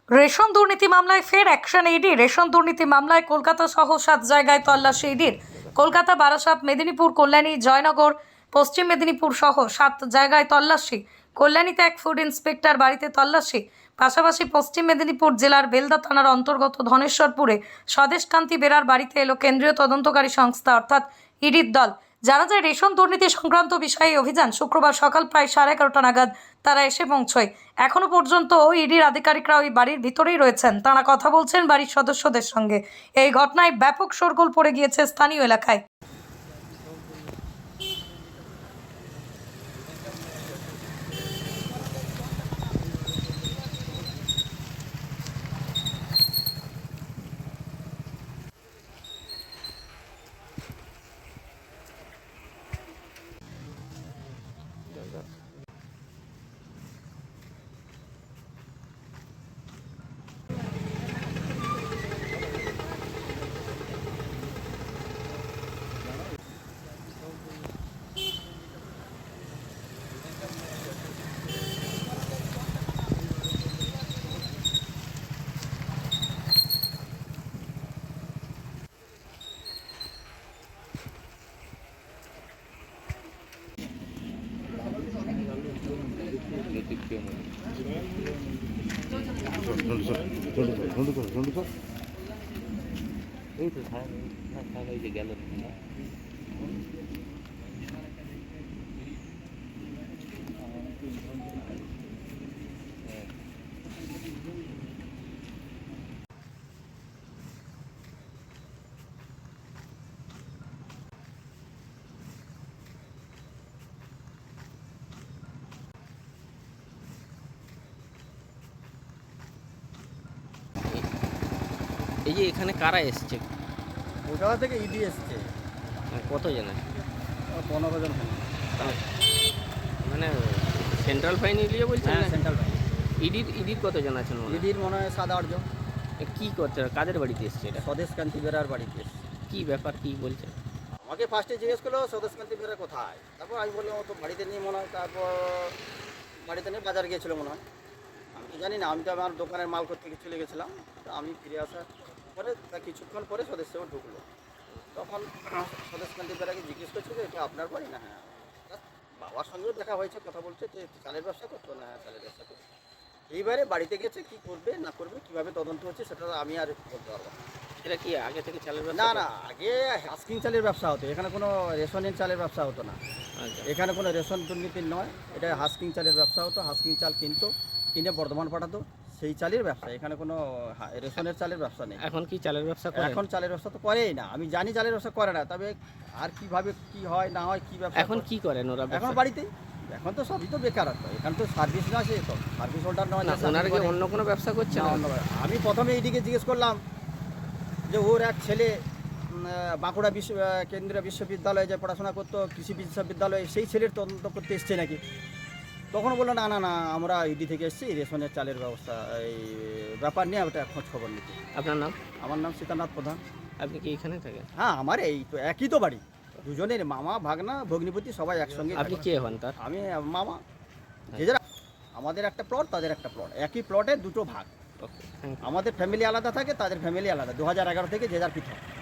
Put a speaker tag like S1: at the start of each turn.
S1: Ration দুর্নীতি মামলায় ফের অ্যাকশন ইডি। রেশন দুর্নীতি মামলায় কলকাতা সহ 7 জায়গায় তল্লাশি ইডির। কলকাতা, বারাসাত, মেদিনীপুর, কল্যাণী, জয়নগর, পশ্চিম মেদিনীপুর সহ 7 জায়গায় তল্লাশি। কল্যাণীতে এক ফুড ইন্সপেক্টর বাড়িতে তল্লাশি। পাশাপাশি পশ্চিম মেদিনীপুর জেলার বেলদা থানার অন্তর্গত ধনেশ্বরপুরে স্বদেশকান্তি বেরার বাড়িতে এলো কেন্দ্রীয় তদন্তকারী সংস্থা অর্থাৎ ইডির দল। জানা যায়, রেশন দুর্নীতি সংক্রান্ত বিষয়ে অভিযান শুক্রবার সকাল প্রায় 11:30 নাগাদ তারা এসে পৌঁছয়। এখনো পর্যন্ত ইডির আধিকারিকরা ওই বাড়ির ভিতরেই রয়েছেন। তারা কথা বলছেন বাড়ির সদস্যদের সঙ্গে। এই ঘটনায় ব্যাপক শোরগোল পড়ে গিয়েছে স্থানীয় এলাকায়।
S2: এই তো সারা এই যে গেল না। এই যে এখানে কারা এসছে?
S3: কলকাতা থেকে ইডি এসছে।
S2: কতজন আছে?
S3: 15 জন হবে।
S2: মানে সেন্ট্রাল ফাইন ইলিয়ে বলছেন
S3: হ্যাঁ,
S2: না?
S3: Central bank.
S2: ইডির কতজন আছেন মনে হয়?
S3: ইডির মনে হয় 7-8 জন।
S2: কি করছে, কাদের বাড়িতে এসছে এটা?
S3: স্বদেশকান্তি বেরার বাড়িতে এসছে।
S2: কি ব্যাপার, কি বলছে?
S3: আমাকে ফার্স্টে জিজ্ঞেস করলো স্বদেশকান্তি বেরা কোথায়, তারপর আমি বললাম ও তো বাড়িতে নেই মনে হয়। তারপর বাড়িতে নিয়ে বাজার গিয়েছিলো মনে হয়, আমি তো জানি না। আমি তো আমার দোকানের মাল করতে চলে গেছিলাম। তো আমি ফিরে আসার পরে তা কিছুক্ষণ পরে স্বদেশ ঢুকলো। তখন স্বদেশকান্তি বেরাকে জিজ্ঞেস করছে যে এটা আপনার বাড়ি না? হ্যাঁ। তার বাবার সঙ্গেও দেখা হয়েছে, কথা বলছে যে চালের ব্যবসা করতো না। হ্যাঁ, চালের ব্যবসা করতো। এইবারে বাড়িতে গেছে, কি করবে না করবে, কিভাবে তদন্ত হচ্ছে সেটা আমি আর বলতে পারবো না।
S2: এটা কি আগে থেকে চালের ব্যবসা
S3: না
S2: করতো?
S3: না, আগে হাস্কিং চালের ব্যবসা হতো, এখানে কোনো রেশনের চালের ব্যবসা হতো না।
S2: আচ্ছা।
S3: এখানে কোনো রেশন দুর্নীতির নয়, এটা হাস্কিং চালের ব্যবসা হতো। হাস্কিং চাল কিনে বর্ধমান পাঠাতো, সেই চালের ব্যবসা। এখানে কোনো রেশনের চালের ব্যবসা নেই।
S2: এখন কি চালের ব্যবসা করে?
S3: এখন চালের ব্যবসা তো করেই না, আমি জানি চালের ব্যবসা করে না। তবে আর কিভাবে কি হয় না হয়, কি ব্যবসা
S2: এখন কি করেন ওরা?
S3: এখন বাড়িতেই। এখন তো সবই তো বেকারত্ব, এখানে তো সার্ভিস না, সে তো সার্ভিস হোল্ডার নয়।
S2: না, ওনারা কি অন্য কোনো ব্যবসা করছে না?
S3: আমি প্রথমে এইদিকে জিজ্ঞেস করলাম যে ওর এক ছেলে বাঁকুড়া কেন্দ্রীয় বিশ্ববিদ্যালয়ে যে পড়াশোনা করতো, কৃষি বিশ্ববিদ্যালয়ে, সেই ছেলের তদন্ত করতে এসছে নাকি। তখন বললো না না না, আমরা ইডি থেকে এসেছি, রেশনের চালের ব্যবস্থা এই ব্যাপার নিয়ে ওটা খোঁজ খবর নিতে।
S2: আপনার নাম?
S3: আমার নাম সীতানাথ প্রধান।
S2: আপনি কি এখানে থাকেন?
S3: হ্যাঁ, আমার এই তো একই তো বাড়ি, দুজনের মামা ভাগনা ভগ্নিপতি সবাই একসঙ্গে।
S2: আপনি কে হন তার?
S3: আমি মামা। যে যারা, আমাদের একটা প্লট, তাদের একটা প্লট, একই প্লটে দুটো ভাগ।
S2: Okay, thank you.
S3: আমাদের ফ্যামিলি আলাদা থাকে, তাদের ফ্যামিলি আলাদা। 2011 থেকে যে যার পৃথক।